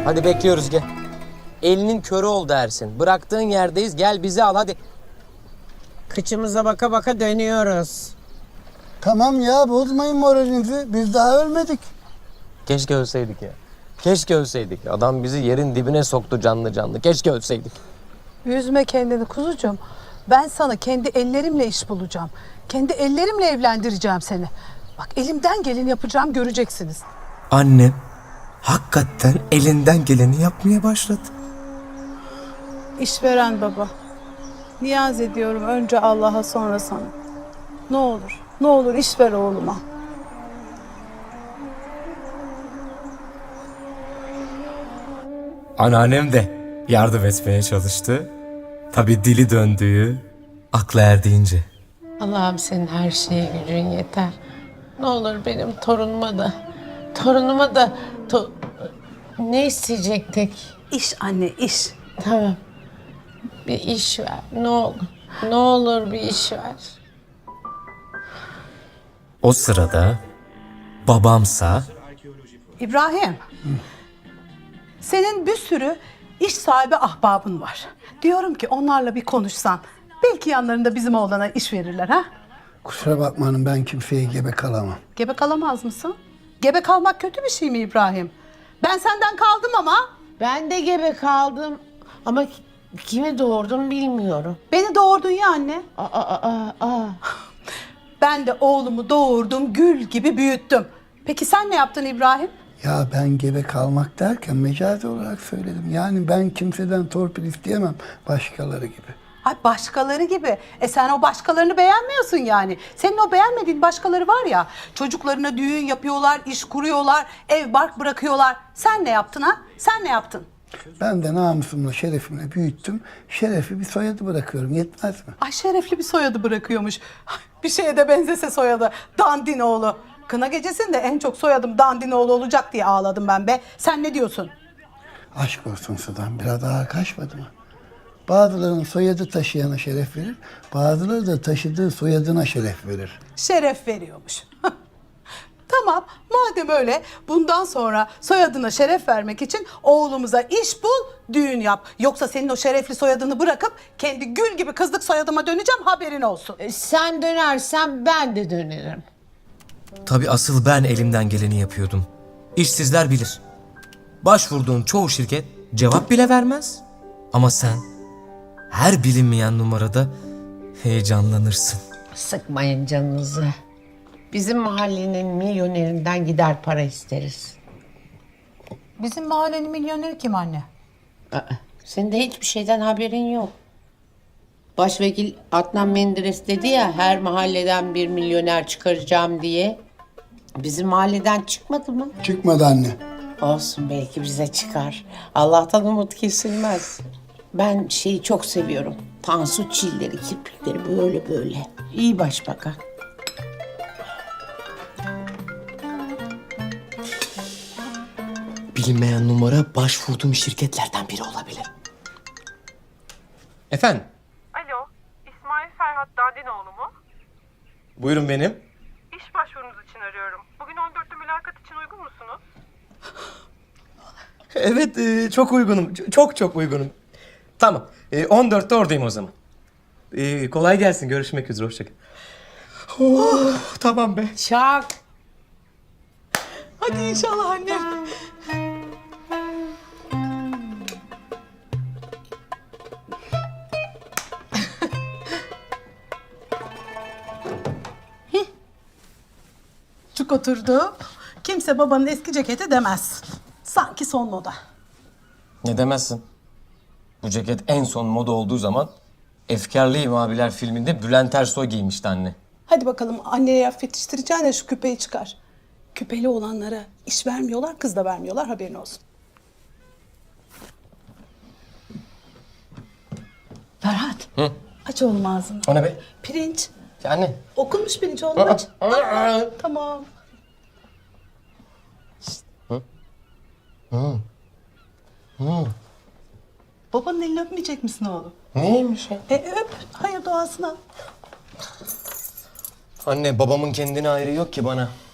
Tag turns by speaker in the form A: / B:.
A: Hadi bekliyoruz gel. Elinin körü oldu Ersin. Bıraktığın yerdeyiz. Gel bizi al hadi.
B: Kıçımıza baka baka dönüyoruz.
C: Tamam ya, bozmayın moralinizi. Biz daha ölmedik.
A: Keşke ölseydik ya. Keşke ölseydik. Adam bizi yerin dibine soktu canlı canlı. Keşke ölseydik.
D: Üzme kendini kuzucuğum. Ben sana kendi ellerimle iş bulacağım. Kendi ellerimle evlendireceğim seni. Bak elimden geleni yapacağım, göreceksiniz.
E: Annem hakikaten elinden geleni yapmaya başladı.
D: İşveren baba. Niyaz ediyorum önce Allah'a sonra sana. Ne olur, ne olur iş ver oğluma.
E: Anneannem de yardım etmeye çalıştı. Tabii dili döndüğü, aklı erdiğince.
B: Allah'ım senin her şeye gücün yeter. Ne olur benim torunuma da ne isteyecektik?
D: İş anne, iş.
B: Tamam. Bir iş ver. Ne olur. Ne olur bir iş ver.
E: O sırada babamsa
D: İbrahim. Senin bir sürü iş sahibi ahbabın var. Diyorum ki onlarla bir konuşsan. Belki yanlarında bizim oğlana iş verirler ha?
C: Kusura bakma hanım, ben kimseye gebe kalamam.
D: Gebe kalamaz mısın? Gebe kalmak kötü bir şey mi İbrahim? Ben senden kaldım ama
B: Ben de gebe kaldım. Ama kimi doğurdum bilmiyorum.
D: beni doğurdun ya anne.
B: Aa.
D: Ben de oğlumu doğurdum, gül gibi büyüttüm. Peki sen ne yaptın İbrahim?
C: Ya ben gebe kalmak derken mecazi olarak söyledim. Yani ben kimseden torpil isteyemem başkaları gibi.
D: Ay başkaları gibi. Sen o başkalarını beğenmiyorsun yani. Senin o beğenmediğin başkaları var ya. Çocuklarına düğün yapıyorlar, iş kuruyorlar, ev bark bırakıyorlar. Sen ne yaptın ha? Sen ne yaptın?
C: Ben de namusumla, şerefimle büyüttüm. Şerefi bir soyadı bırakıyorum. Yetmez mi?
D: Ay şerefli bir soyadı bırakıyormuş. Ay, bir şeye de benzese soyadı. Dandinoğlu. Kına gecesinde en çok soyadım Dandinoğlu olacak diye ağladım ben be. Sen ne diyorsun?
C: Aşk olsun Sudan, biraz daha kaçmadı mı? Bazılarının soyadı taşıyana şeref verir, bazıları da taşıdığı soyadına şeref verir.
D: Şeref veriyormuş. Tamam, madem öyle bundan sonra soyadına şeref vermek için oğlumuza iş bul, düğün yap. Yoksa senin o şerefli soyadını bırakıp kendi gül gibi kızlık soyadıma döneceğim, haberin olsun.
B: Sen dönersen ben de dönerim.
E: tabii asıl ben elimden geleni yapıyordum. İşsizler bilir. Başvurduğun çoğu şirket cevap bile vermez. Ama sen her bilinmeyen numarada heyecanlanırsın.
B: Sıkmayın canınızı. Bizim mahallenin milyonerinden gider para isteriz.
D: Bizim mahallenin milyoneri kim anne?
B: Senin de hiçbir şeyden haberin yok. Başvekil Adnan Menderes dedi ya her mahalleden bir milyoner çıkaracağım diye. Bizim mahalleden çıkmadı mı?
C: Çıkmadı anne.
B: Olsun belki bize çıkar. Allah'tan umut kesilmez. Ben şeyi çok seviyorum. Tansu çilleri, kirpikleri böyle böyle. İyi başbakan.
E: Bilinmeyen numara başvurduğum şirketlerden biri olabilir. Efendim?
F: Alo, İsmail Ferhat Dandinoğlu mu?
E: Buyurun benim.
F: İş başvurunuz için arıyorum. Bugün 14'te mülakat için uygun musunuz?
A: Evet çok uygunum. Çok uygunum. Tamam. 14'te oradayım o zaman. Kolay gelsin. Görüşmek üzere. Hoşçakal. Oh, tamam be.
B: Çak.
D: Hadi inşallah anne. Çık oturdu. Kimse babanın eski ceketi demez. Sanki son moda.
A: Ne demezsin? Bu ceket en son moda olduğu zaman Efkarlıyım Abiler filminde Bülent Ersoy giymişti anne.
D: Hadi bakalım anneye laf yetiştireceğine şu küpeyi çıkar. Küpeli olanlara iş vermiyorlar, kız da vermiyorlar, haberin olsun. Ferhat.
A: Hı?
D: Aç oğlum ağzını.
A: O ne be?
D: Pirinç.
A: Ya anne.
D: Okunmuş pirinç oğlum aç. Tamam. Babanın elini öpmeyecek misin oğlum?
A: Neymiş ya?
D: Öp. Hayır duasına.
A: Anne babamın kendine ayrı yok ki bana.